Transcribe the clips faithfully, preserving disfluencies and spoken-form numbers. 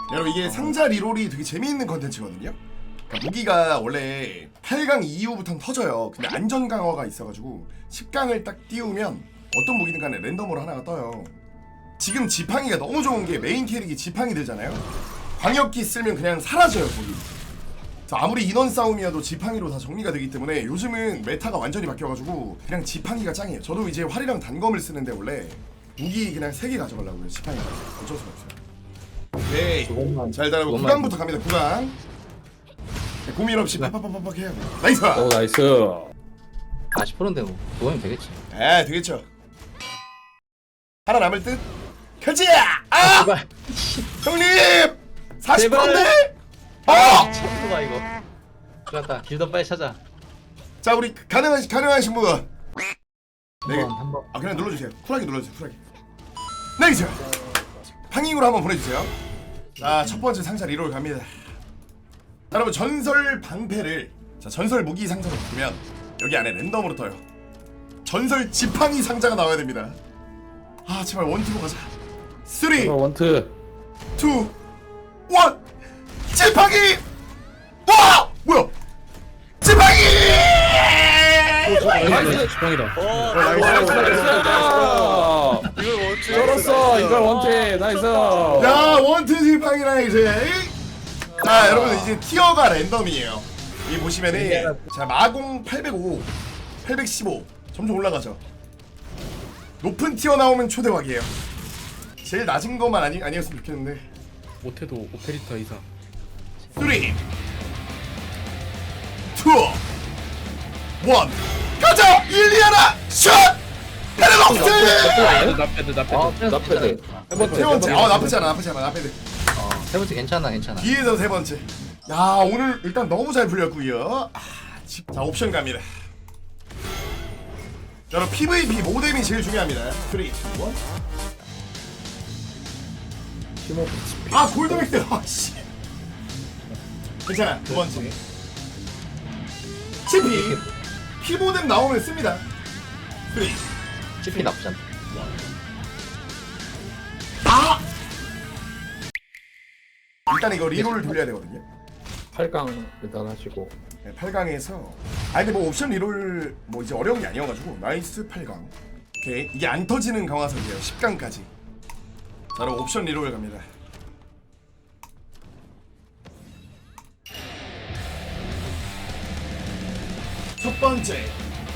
여러분 이게 상자 리롤이 되게 재미있는 컨텐츠거든요. 그러니까 무기가 원래 팔 강 이후부터는 터져요. 근데 안전 강화가 있어가지고 십 강을 딱 띄우면 어떤 무기든 간에 랜덤으로 하나가 떠요. 지금 지팡이가 너무 좋은 게 메인 캐릭이 지팡이 들잖아요. 광역기 쓰면 그냥 사라져요 거기. 아무리 인원 싸움이어도 지팡이로 다 정리가 되기 때문에 요즘은 메타가 완전히 바뀌어가지고 그냥 지팡이가 짱이에요. 저도 이제 활이랑 단검을 쓰는데 원래 무기 그냥 세 개 가져가려고요. 지팡이가 어쩔 수가 없어요. 오케이. 자 일단 구 강부터 갑니다. 구 강. 네, 고민 없이 팍팍팍팍 해야 돼. 나이스! 오 나이스. 사십 퍼센트인데 뭐 그거면 되겠지. 에 되겠죠. 하나 남을 듯. 가자! 아! 제발. 형님! 사십 퍼센트인데? 아! 체크가 이거. 좋았다. 길더 빨리 찾아. 자 우리 가능하신 가능하신 분. 네. 한번 한번. 아 그냥 눌러주세요. 쿨하게 눌러주세요. 쿨하게. 나이스! 팡잉으로 한번 보내주세요. 자 첫 번째 상자 리롤 갑니다. 자, 여러분 전설 방패를 자 전설 무기 상자로 보면 여기 안에 랜덤으로 떠요. 전설 지팡이 상자가 나와야 됩니다. 아 제발 원투로 가자. 쓰리, 원트. 투, 원. 지팡이! 와! 뭐야? 지팡이! 나이스. 지팡이다. 이걸 원투 쩔었어. 이걸 원트. 나이스. 야 원투 지팡이라 이제. 자 여러분 이제 티어가 랜덤이에요. 이 보시면은 자 마공 팔백오, 팔백십오 점점 올라가죠. 높은 티어 나오면 초대박이에요. 제일 낮은 것만 아니 아니었으면 좋겠는데. 못해도 오페리타 이상. 쓰리, 투, 원. 가자 일리아나 슛. 페르녹스. 나패드 나패드 아, 나패드. 나패드. 세 번째. 세 번째. 아 나쁘지 않아 나쁘지 않아 나쁘지. 어, 세 번째 괜찮아 괜찮아. 뒤에서 세 번째. 야 오늘 일단 너무 잘 풀렸고요. 아, 집- 자 옵션 갑니다. 자 그럼 피브이피 모뎀이 제일 중요합니다. 삼, 이, 일. 아 골드맥스. 아씨. 괜찮아 두 번째. 치피 피 모뎀 나오면 씁니다. 삼. 치피 나쁘지 않다. 아. 일단 이거 리롤을 돌려야 되거든요. 팔 강 일단 하시고. 네, 팔 강에서 아 근데 뭐 옵션 리롤 뭐 이제 어려운 게 아니어가지고 나이스 팔 강. 오케이 이게 안 터지는 강화석이에요. 십 강까지. 자 그럼 옵션 리롤 갑니다. 첫 번째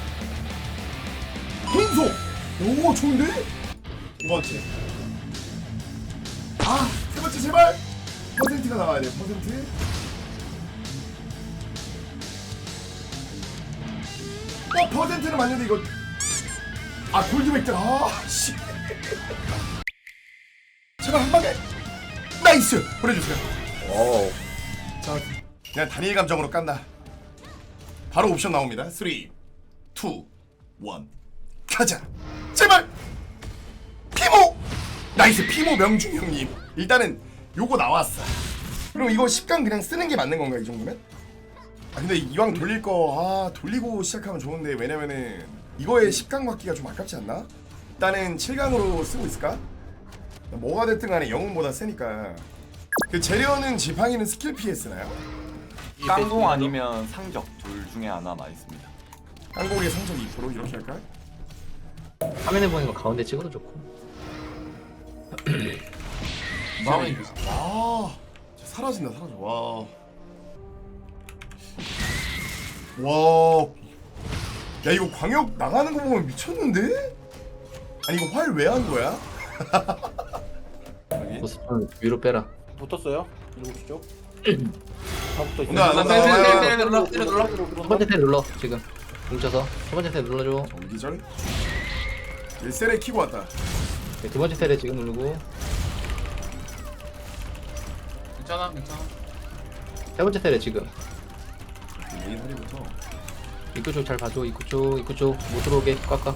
분속. 오 좋은데? 두 번째 아세 번째 제발 퍼센트가 나와야 돼. 퍼센트. 어 퍼센트는 맞는데 이거 아 골드맥들 아씨 제발 한 방에 나이스 보내주세요. 오. 자 그냥 단일 감정으로 깐다. 바로 옵션 나옵니다. 삼, 이, 일 가자 제발 피모 나이스 피모 명중 형님. 일단은 요거 나왔어. 그럼 이거 십 강 그냥 쓰는 게 맞는 건가 이 정도면? 아 근데 이왕 돌릴 거 아 돌리고 시작하면 좋은데 왜냐면은 이거에 십 강 받기가 좀 아깝지 않나? 일단은 칠 강으로 쓰고 있을까? 뭐가 됐든 간에 영웅보다 세니까. 그 재련은 지팡이는 스킬 피해 쓰나요? 깡공 아니면 상적 둘 중에 하나 나 있습니다. 한국의 성적 이 퍼센트 이렇게 할까? 화면에 보이는 거 가운데 찍어도 좋고. 마음이 와 진짜 사라진다 사라져. 와. 와. 야 이거 광역 나가는 거 보면 미쳤는데? 아니 이거 활 왜 한 거야? 여기? 보스턴 위로 빼라. 붙었어요? 일곱 쪽. 다 붙어 있어. 온다 온다 온다. 눌러 때려 눌러. 첫 번째 테 눌러 지금. 뭉쳐서 첫 번째 테 눌러줘. 전기절? 일셀에 키고 왔다. 네, 두 번째 테레 지금 누르고. 괜찮아 괜찮아. 세 번째 테레 지금. 메인 허리부터. 입구 쪽 잘 봐줘. 입구 쪽 입구 쪽 못 들어오게 꽉꽉.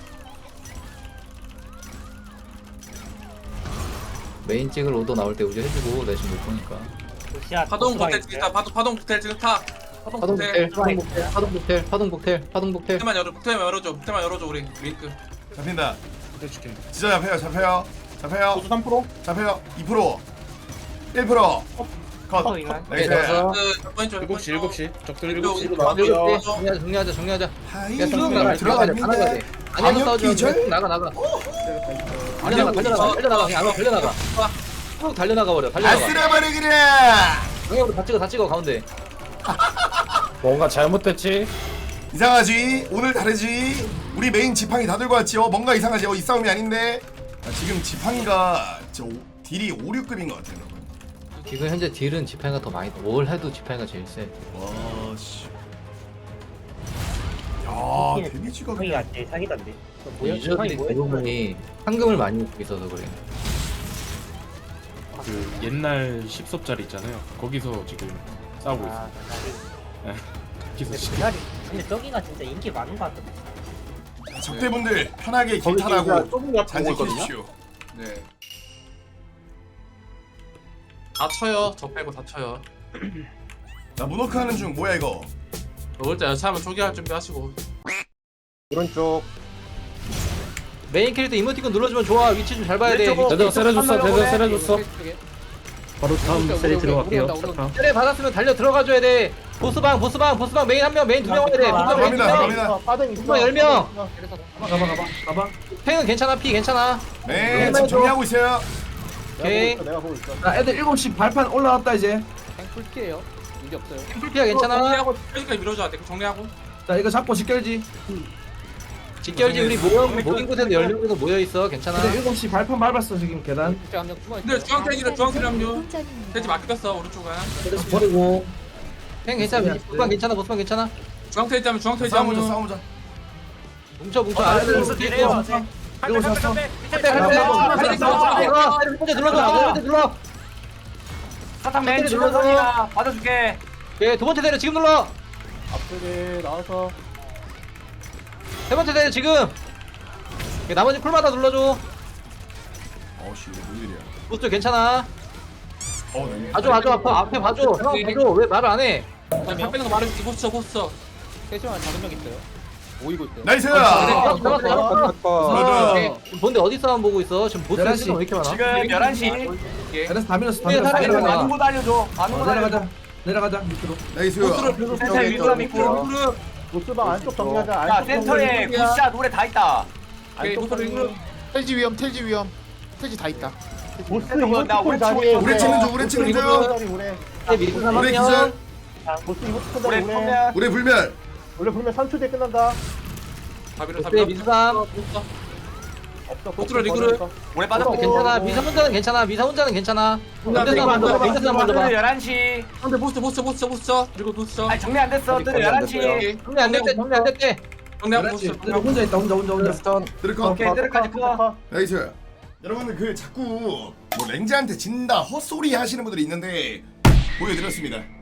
메인 찍을 오더 나올 때 우지 해주고 내 지금 못 보니까. 파동 호텔 찍다. 파동 파동 호텔 지금 타. 파동 파동 호텔. 복텔, 파동 복텔, 파동 복텔, 파동 복텔. 호텔만 열어. 호텔만 열어줘. 호텔만 열어줘 우리 링크. 잡힌다. 진짜 잡혀요 잡혀요 잡혀요. 보수 삼 퍼센트. 잡혀요 이 퍼센트. 일 퍼센트 컷. 어, 이거. 나이스. 일곱 시 일곱 시 적들 일곱 시. 나갈게요. 정리하자 정리하자 정리하자. 하이 야 쭉 나가 들어가야 돼. 다 나가야 돼. 안에서 방역 싸우지 말고 기절? 쭉 나가 나가. 달려나가 달려나가 달려나가 그냥 안으로 달려나가. 쭉 달려나가 버려. 달려나가. 아스라바르기라. 방역으로 다 찍어 다 찍어 가운데. 뭔가 잘못됐지? 이상하지? 오늘 다르지? 우리 메인 지팡이 다 들고 왔지? 어 뭔가 이상하지? 어 이 싸움이 아닌데? 아, 지금 지팡이가 저 오- 딜이 오, 육급인 것 같아요 여러분. 지금 현재 딜은 지팡이가 더 많이. 뭘 해도 지팡이가 제일 세. 와씨. 야 데미지가 거기가 제일 사기던데. 유저들이 대부분이 황금을 많이 입고 있어서 그래. 그 옛날 십 섭짜리 있잖아요. 거기서 지금 싸우고 있어. 아, 그날이. 기서 근데 씨. 그날이. 근데 저기가 진짜 인기 많은 것 같던데. 적대분들 편하게 길 거기 타라고 진짜 좁은 거 잘 보고 있거든요? 지키십시오. 네. 다 쳐요. 저 빼고 다 쳐요. 나 문워크 하는 중 뭐야 이거? 먹을 때 여차하면 초기할 준비하시고. 오른쪽. 메인 캐릭터 이모티콘 눌러주면 좋아. 위치 좀 잘 봐야 돼. 대대가 세려줬어. 대대가 세려줬어. 바로 다음 세리 들어갈게요. 때려 받았으면 달려 들어가줘야 돼. 보스방 보스방 보스방 메인 한 명 메인 두 명 와야 돼. 보스방 메인 두 갑니다, 명. 갑니다. 빠져 있어. 보스방 열 명. 가봐 가봐 가봐. 팽은 괜찮아 피 괜찮아. 네 지금 정리하고 있어요. 오케이. 내가 보고 있어. 자, 애들 일곱 시 발판 올라왔다 이제. 풀피야 괜찮아. 정리하고 여기까지 밀어줘야 돼. 정리하고. 자, 이거 잡고 직결지. 직결지 우리 모여 모인 곳에도 열 명 정도 모여 있어. 괜찮아. 근데 일곱 시 발판 밟았어 지금 계단. 근데 중앙태기는 중앙태기 합류. 돼지 맡겼어 오른쪽은. 버리고. 팽 괜찮아. 보스방 괜찮아. 보스방 괜찮아. 중앙태기 하면 중앙태기 싸우자 합류. 싸우자. 뭉쳐 뭉쳐. 아, 아, 애들 뭉쳐. 일곱 뭉쳐. 시 일곱 시 왔어. 한대 한대 한대 눌러 눌러 눌러. 사탕 맨 맨 눌러서. 줄러서니까 받아줄게. 예, 두 번째 대려 지금 눌러. 앞쪽에 나와서. 세 번째 대려 지금. 예, 나머지 쿨마다 눌러줘. 어씨 이거 뭔 일이야? 보스 괜찮아. 어 네. 봐줘 봐줘 앞에 앞에 봐줘. 형 봐줘. 왜 말을 안 해? 밥 빼는 거 말해줄게. 보스쳐 보스쳐. 나이스. 잡았어 잡았어. 맞아. 오케이. 지금 본데 어디 싸움 보고 있어? 지금 보스 열한 시. 시간 왜 이렇게 많아? 지금 열한 시. 그래서 다 밀었어. 다 네, 밀었어. 사람이 내려가자. 많아. 아는 곳 알려줘. 아는 어, 곳 알려줘. 내려가자. 내려가자 밑으로. 나이스. 센터에 위그람 있고. 보스방 안쪽 정리하자. 야 안쪽 센터에 정리하자. 굿샷 노래 다 있다. 오케이 안쪽 보스 정리. 텔지 위험 텔지 위험 텔지 다 있다. 보스 센터 나 이모티콘 오른쪽 자리에 우리 찍는 중 우리 찍는 중. 우리 우리. 네, 미리 우리 삼하면 기절. 보스 이모티콘 노래 자리 우리. 펴면 우리 불멸. 원래 보면 삼 초 뒤에 끝난다. 다 밀어 다 네, 밀어. 미수삼. 없어. 보스로 리그를. 오래 빠졌고. 괜찮아. 미사 혼자는 괜찮아. 미사 혼자는 괜찮아. 멘트사 먼저 봐. 멘트사 먼저 봐. 뜨들 열한 시. 근데 보스 보스 보스 보스 그리고 보스. 아니 정리 안 됐어. 뜨들 열한 시. 정리 안 됐대. 정리 안 됐대. 정리하고 열한 시. 보스. 근데 혼자 있다. 혼자 혼자 혼자. 드래커. 오케이 뜨들까지 커. 나이스. 여러분들 그 자꾸 뭐 랭자한테 진다 헛소리 하시는 분들이 있는데 보여드렸습니다.